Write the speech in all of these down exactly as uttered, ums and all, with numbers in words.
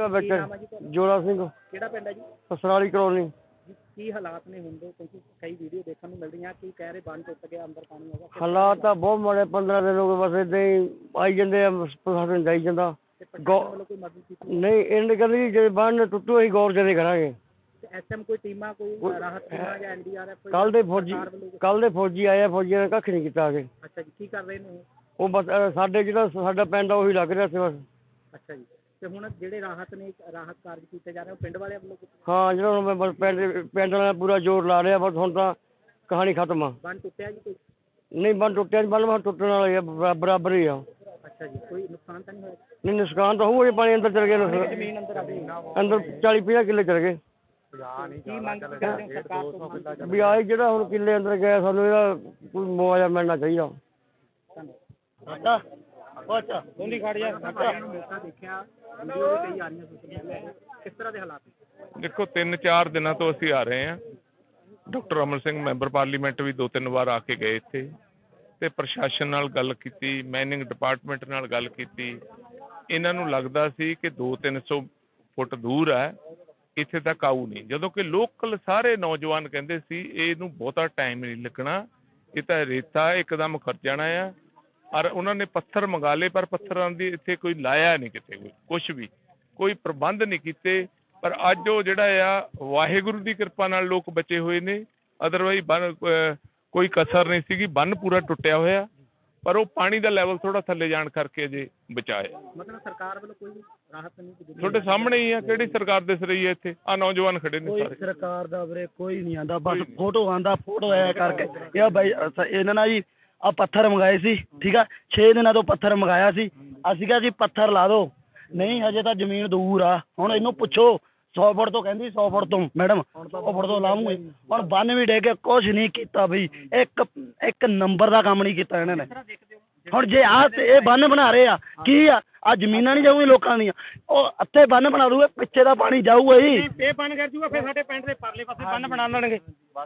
ਆ ਵਿੱਚ ਜੋੜਾ ਸਿੰਘ ਕਿਹੜਾ ਪਿੰਡ ਹੈ ਜੀ? ਸਸਰਾਲੀ ਕਲੋਨੀ। ਕੀ ਹਾਲਾਤ ਨੇ ਹੁੰਦੇ ਕਿਉਂਕਿ ਕਈ ਵੀਡੀਓ ਦੇਖਣ ਨੂੰ ਮਿਲ ਰਹੀਆਂ ਕੀ ਕਹਿ ਰਹੇ ਬੰਨ ਟੁੱਟ ਗਿਆ ਅੰਦਰ ਪਾਣੀ ਆਉਂਦਾ? ਹਾਲਾਤ ਤਾਂ ਬਹੁਤ ਮਾੜੇ, ਪੰਦਰਾਂ ਦਿਨ ਹੋ ਗਏ ਬਸ ਏਦਾਂ ਹੀ ਆਈ ਜਾਂਦੇ ਆ, ਪ੍ਰਸ਼ਾਸਨ ਜਾਈ ਜਾਂਦਾ। ਕੋਈ ਮਦਦ ਕੀਤੀ ਨਹੀਂ ਇਹਨੇ ਕਹਿੰਦੇ ਜੇ ਬੰਨ ਟੁੱਟੂ ਅਸੀਂ ਗੌਰ ਜਦੇ ਕਰਾਂਗੇ। ਐਸਐਮ ਕੋਈ ਟੀਮਾਂ ਕੋਈ ਰਾਹਤ ਟੀਮਾਂ ਜਾਂ ਐਨਡੀਆਰਐਫ? ਕੱਲ ਦੇ ਫੌਜੀ ਕੱਲ ਦੇ ਫੌਜੀ ਆਏ ਆ, ਫੌਜੀਆਂ ਨੇ ਕੱਖ ਨਹੀਂ ਕੀਤਾ ਅਗੇ। ਅੱਛਾ ਜੀ, ਕੀ ਕਰ ਰਹੇ ਨੇ ਉਹ ਬਸ ਸਾਡੇ ਜਿਹੜਾ ਸਾਡਾ ਪਿੰਡ ਆ ਉਹੀ ਲੱਗ ਰਿਹਾ ਸੀ ਬਸ। ਅੱਛਾ ਜੀ, ਤੇ ਹੁਣ ਜਿਹੜੇ ਰਾਹਤ ਨੇ ਰਾਹਤ ਕਾਰਜ ਕੀਤੇ ਜਾ ਰਹੇ ਉਹ ਪਿੰਡ ਵਾਲਿਆਂ ਵੱਲੋਂ? ਹਾਂ ਜਿਹੜਾ ਹੁਣ ਮੈਂ ਬਸ ਪਿੰਡ ਪਿੰਡ ਵਾਲਿਆਂ ਨੇ ਪੂਰਾ ਜ਼ੋਰ ਲਾ ਰਿਹਾ, ਬਸ ਹੁਣ ਤਾਂ ਕਹਾਣੀ ਖਤਮ ਆ। ਬੰਨ ਟੁੱਟਿਆ ਜੀ ਕੋਈ? ਨਹੀਂ ਬੰਨ ਟੁੱਟਿਆ ਨਹੀਂ, ਬੰਨ ਟੁੱਟਣ ਵਾਲਾ ਹੀ ਆ, ਬਰਾਬਰ ਹੀ ਆ। ਅੱਛਾ ਜੀ, ਕੋਈ ਨੁਕਸਾਨ ਤਾਂ ਨਹੀਂ ਹੋਇਆ? ਨਹੀਂ ਨੁਕਸਾਨ ਤਾਂ ਹੋਊਗਾ, ਪਾਣੀ ਅੰਦਰ ਚਲ ਗਿਆ, ਜ਼ਮੀਨ ਅੰਦਰ ਆ ਗਈ, ਅੰਦਰ ਚਾਲੀ ਪੰਜਾਹ ਕਿੱਲੇ ਚਲ ਗਏ। ਕੀ ਮੰਗ ਕਰਦੇ ਹੋ ਸਰਕਾਰ ਤੋਂ? ਵੀ ਆਹ ਜਿਹੜਾ ਹੁਣ ਕਿੱਲੇ ਅੰਦਰ ਗਿਆ ਸਾਨੂੰ ਇਹਦਾ ਕੋਈ ਮੁਆਵਜ਼ਾ ਮਿਲਣਾ ਚਾਹੀਦਾ। ਅੱਛਾ ਅੱਛਾ ਦੋਨੀ ਖੜ ਜਾ ਮੌਕਾ ਦੇਖਿਆ ਵੀਡੀਓ ਵੀ ਕਈ ਆ ਰਹੀਆਂ ਸੋਸ਼ਲ ਮੀਡੀਆ ਤੇ, ਕਿਸ ਤਰ੍ਹਾਂ ਦੇ ਹਾਲਾਤ? ਦੇਖੋ ਤਿੰਨ ਚਾਰ ਦਿਨਾਂ ਤੋਂ ਅਸੀਂ ਆ ਰਹੇ ਹਾਂ। Doctor Amar Singh member parliament ਵੀ ਦੋ ਤਿੰਨ ਵਾਰ ਆ ਕੇ ਗਏ ਇੱਥੇ, ਤੇ ਪ੍ਰਸ਼ਾਸਨ ਨਾਲ ਗੱਲ ਕੀਤੀ, ਮਾਈਨਿੰਗ ਡਿਪਾਰਟਮੈਂਟ ਨਾਲ ਗੱਲ ਕੀਤੀ। ਇਹਨਾਂ ਨੂੰ ਲੱਗਦਾ ਸੀ ਕਿ ਦੋ ਤਿੰਨ ਸੌ ਫੁੱਟ ਦੂਰ ਹੈ, ਇੱਥੇ ਤੱਕ ਆਊ ਨਹੀਂ, ਜਦੋਂ ਕਿ ਲੋਕਲ ਸਾਰੇ ਨੌਜਵਾਨ ਕਹਿੰਦੇ ਸੀ ਇਹਨੂੰ ਬਹੁਤਾ ਟਾਈਮ ਨਹੀਂ ਲੱਗਣਾ, ਇਹ ਤਾਂ ਰੇਤਾ ਇੱਕਦਮ ਖਰਚ ਜਾਣਾ ਆ। ਔਰ ਉਹਨਾਂ ਨੇ ਪੱਥਰ ਮੰਗਾ ਲਏ, ਪਰ ਪੱਥਰਾਂ ਦੀ ਇੱਥੇ ਕੋਈ ਲਾਇਆ ਨਹੀਂ, ਕਿਤੇ ਕੋਈ ਕੁਛ ਵੀ ਕੋਈ ਪ੍ਰਬੰਧ ਨਹੀਂ ਕੀਤੇ। ਪਰ ਅੱਜ ਉਹ ਜਿਹੜਾ ਆ ਵਾਹਿਗੁਰੂ ਦੀ ਕਿਰਪਾ ਨਾਲ ਲੋਕ ਬਚੇ ਹੋਏ ਨੇ, ਅਦਰਵਾਈਜ਼ ਬੰਨ ਕੋਈ ਕਸਰ ਨਹੀਂ ਸੀਗੀ, ਬੰਨ ਪੂਰਾ ਟੁੱਟਿਆ ਹੋਇਆ, ਪਰ ਉਹ ਪਾਣੀ ਦਾ ਲੈਵਲ ਥੋੜਾ ਥੱਲੇ ਜਾਣ ਕਰਕੇ ਅਜੇ ਬਚਾਇਆ। ਮਤਲਬ ਸਰਕਾਰ ਵੱਲੋਂ ਕੋਈ ਰਾਹਤ ਨਹੀਂ? ਤੁਹਾਡੇ ਸਾਹਮਣੇ ਹੀ ਆ, ਕਿਹੜੀ ਸਰਕਾਰ ਦਿਸ ਰਹੀ ਹੈ ਇੱਥੇ? ਆ ਨੌਜਵਾਨ ਖੜੇ ਨੇ ਸਾਰੇ। ਸਰਕਾਰ ਦਾ ਵੀਰੇ ਕੋਈ ਨਹੀਂ ਆਂਦਾ, ਬਸ ਫੋਟੋ ਆਂਦਾ, ਫੋਟੋ ਆਇਆ ਕਰਕੇ ਇਹ ਬਾਈ ਇਹਨਾਂ ਨਾਲ ਜੀ ਆ ਪੱਥਰ ਮੰਗਾਏ ਸੀ, ਠੀਕ ਆ, ਛੇ ਦਿਨਾਂ ਤੋਂ ਪੱਥਰ ਮੰਗਾਇਆ ਸੀ ਅਸੀਂ ਕਿਹਾ ਜੀ ਪੱਥਰ ਲਾ ਦਿਓ, ਨਹੀਂ ਹਜੇ ਤਾਂ ਜ਼ਮੀਨ ਦੂਰ ਆ। ਹੁਣ ਇਹਨੂੰ ਪੁੱਛੋ ਸੌ ਫੁੱਟ ਤੋਂ ਕਹਿੰਦੀ ਸੌ ਫੁੱਟ ਤੋਂ ਮੈਡਮ ਸੌ ਫੁੱਟ ਤੋਂ ਲਾਉਂਗੇ। ਹੁਣ ਬੰਨ ਵੀ ਡੇ ਕੇ ਕੁਛ ਨਹੀਂ ਕੀਤਾ ਬਈ, ਇੱਕ ਇੱਕ ਨੰਬਰ ਦਾ ਕੰਮ ਨਹੀਂ ਕੀਤਾ ਇਹਨਾਂ ਨੇ। ਹੁਣ ਜੇ ਆ ਇਹ ਬੰਨ ਬਣਾ ਰਹੇ ਆ ਕੀ ਆ, ਆ ਜ਼ਮੀਨਾਂ ਨਹੀਂ ਜਾਊਗੀ ਲੋਕਾਂ ਦੀਆਂ, ਉਹ ਅੱਥੇ ਬੰਨ ਬਣਾ ਦੂਗੇ, ਪਿੱਛੇ ਦਾ ਪਾਣੀ ਜਾਊਗਾ ਜੀ। ਇਹ ਬੰਨ ਕਰ ਜੂਗਾ ਫਿਰ ਸਾਡੇ ਪਿੰਡ ਦੇ ਪਰਲੇ ਪਾਸੇ ਬੰਨ ਬਣਾ ਲੈਣਗੇ।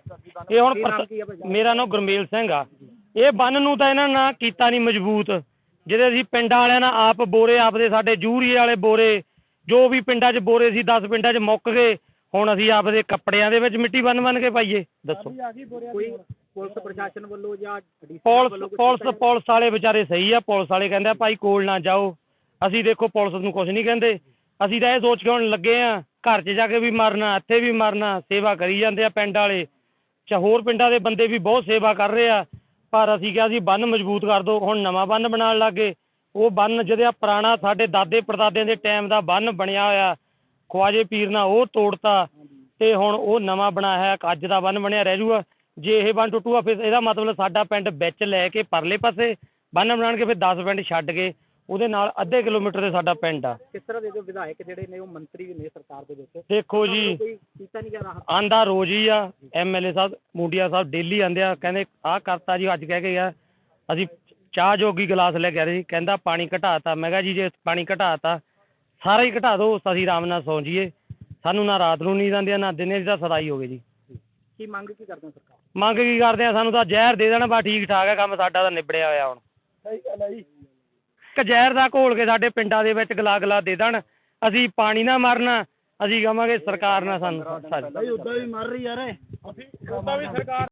ਇਹ ਹੁਣ ਮੇਰਾ ਨਾਮ ਗੁਰਮੇਲ ਸਿੰਘ ਆ। ਇਹ ਬੰਨ ਨੂੰ ਤਾਂ ਇਹਨਾਂ ਨੇ ਕੀਤਾ ਨਹੀਂ ਮਜ਼ਬੂਤ, ਜਿਹਦੇ ਅਸੀਂ ਪਿੰਡਾਂ ਵਾਲਿਆਂ ਨਾਲ ਆਪ ਬੋਰੇ ਆਪਦੇ ਸਾਡੇ ਜੂਰੀਏ ਵਾਲੇ ਬੋਰੇ ਜੋ ਵੀ ਪਿੰਡਾਂ 'ਚ ਬੋਰੇ ਸੀ ਦਸ ਪਿੰਡਾਂ 'ਚ ਮੁੱਕ ਗਏ। ਹੁਣ ਅਸੀਂ ਆਪਦੇ ਕੱਪੜਿਆਂ ਦੇ ਵਿੱਚ ਮਿੱਟੀ ਬੰਨ ਬੰਨ ਕੇ ਪਾਈਏ, ਦੱਸੋ? ਕੋਈ ਪੁਲਿਸ ਪ੍ਰਸ਼ਾਸਨ ਵੱਲੋਂ ਜਾਂ ਪੁਲਿਸ ਪੁਲਿਸ ਪੁਲਿਸ ਵਾਲੇ ਵਿਚਾਰੇ ਸਹੀ ਆ, ਪੁਲਿਸ ਵਾਲੇ ਕਹਿੰਦੇ ਆ ਭਾਈ ਕੋਲ ਨਾ ਜਾਓ। ਅਸੀਂ ਦੇਖੋ ਪੁਲਿਸ ਨੂੰ ਕੁਛ ਨਹੀਂ ਕਹਿੰਦੇ, ਅਸੀਂ ਤਾਂ ਇਹ ਸੋਚ ਕੇ ਹੁਣ ਲੱਗੇ ਆ ਘਰ 'ਚ ਜਾ ਕੇ ਵੀ ਮਰਨਾ, ਇੱਥੇ ਵੀ ਮਰਨਾ। ਸੇਵਾ ਕਰੀ ਜਾਂਦੇ ਆ ਪਿੰਡ ਵਾਲੇ, ਚਾ ਹੋਰ ਪਿੰਡਾਂ ਦੇ ਬੰਦੇ ਵੀ ਬਹੁਤ ਸੇਵਾ ਕਰ ਰਹੇ ਆ, ਪਰ ਅਸੀਂ ਕਿਹਾ ਸੀ ਬੰਨ ਮਜ਼ਬੂਤ ਕਰ ਦਿਓ। ਹੁਣ ਨਵਾਂ ਬੰਨ ਬਣਾਉਣ ਲੱਗ ਗਏ। ਉਹ ਬੰਨ ਜਿਹੜਾ ਪੁਰਾਣਾ ਸਾਡੇ ਦਾਦੇ ਪੜਦਾਦਿਆਂ ਦੇ ਟਾਈਮ ਦਾ ਬੰਨ ਬਣਿਆ ਹੋਇਆ ਖਵਾਜੇ ਪੀਰ ਨਾਲ, ਉਹ ਤੋੜਤਾ, ਤੇ ਹੁਣ ਉਹ ਨਵਾਂ ਬਣਾਇਆ ਅੱਜ ਦਾ ਬੰਨ ਬਣਿਆ ਰਹਿ ਜੂਗਾ। ਜੇ ਇਹ ਬੰਨ ਟੁੱਟੂਗਾ ਫਿਰ ਇਹਦਾ ਮਤਲਬ ਸਾਡਾ ਪਿੰਡ ਵਿੱਚ ਲੈ ਕੇ ਪਰਲੇ ਪਾਸੇ ਬੰਨ ਬਣਾਉਣਗੇ, ਫਿਰ ਦਸ ਪਿੰਡ ਛੱਡ ਕੇ ਉਹਦੇ ਨਾਲ ਅੱਧੇ ਕਿਲੋਮੀਟਰ ਤੇ ਸਾਡਾ ਪਿੰਡ ਆ। ਕਿਸ ਤਰ੍ਹਾਂ ਦੇ ਜੋ ਵਿਧਾਇਕ ਜਿਹੜੇ ਨੇ ਉਹ ਮੰਤਰੀ ਵੀ ਨੇ ਸਰਕਾਰ ਦੇ ਵਿੱਚ, ਦੇਖੋ ਜੀ ਕੀਤਾ ਨਹੀਂ ਗਿਆ? ਆਂਦਾ ਰੋਜ਼ ਹੀ ਆ, ਐਮ ਐਲ ਏ ਸਾਹਿਬ ਮੂੰਡੀਆ ਸਾਹਿਬ ਡੇਲੀ ਆਂਦੇ ਆ, ਕਹਿੰਦੇ ਆਹ ਕਰਤਾ ਜੀ, ਅੱਜ ਕਹਿ ਕੇ ਗਿਆ ਅਸੀਂ ਚਾਹ ਜੋਗੀ ਗਲਾਸ ਲੈ ਕੇ ਆ ਰਹੇ ਸੀ, ਕਹਿੰਦਾ ਪਾਣੀ ਘਟਾਤਾ। ਮੈਂ ਕਿਹਾ ਜੀ ਜੇ ਪਾਣੀ ਘਟਾਤਾ ਸਾਰਾ ਹੀ ਘਟਾ ਦਿਓ, ਅਸੀਂ ਆਰਾਮ ਨਾਲ ਸੌਂ ਜਾਈਏ, ਸਾਨੂੰ ਨਾ ਰਾਤ ਨੂੰ ਨੀਂਦ ਆਉਂਦੀ ਆ ਨਾ ਦਿਨੇ ਦੀ ਤਾਂ ਸਦਾਈ ਹੋ ਗਈ ਜੀ। ਕੀ ਮੰਗ ਕੀ ਕਰਦੇ ਹੋ ਸਰਕਾਰ? ਮੰਗ ਕੀ ਕਰਦੇ ਆ, ਸਾਨੂੰ ਤਾਂ ਜ਼ਹਿਰ ਦੇ ਦੇਣਾ, ਬਸ ਠੀਕ ਠਾਕ ਹੈ ਕੰਮ, ਸਾਡਾ ਤਾਂ ਨਿਬੜਿਆ ਹੋਇਆ। ਹੁਣ ਸਹੀ ਗੱਲ ਹੈ ਜੀ, ਇੱਕ ਜ਼ਹਿਰ ਦਾ ਘੋਲ ਕੇ ਸਾਡੇ ਪਿੰਡਾਂ ਦੇ ਵਿੱਚ ਗਲਾ ਗਲਾ ਦੇ ਦੇਣ, ਅਸੀਂ ਪਾਣੀ ਨਾ ਮਰਨਾ, ਅਸੀਂ ਕਹਾਂਗੇ ਸਰਕਾਰ ਨਾਲ ਸਾਨੂੰ ਉਦਾਂ ਵੀ ਮਰ ਰਹੀ ਯਾਰ, ਉਦਾਂ ਵੀ ਸਰਕਾਰ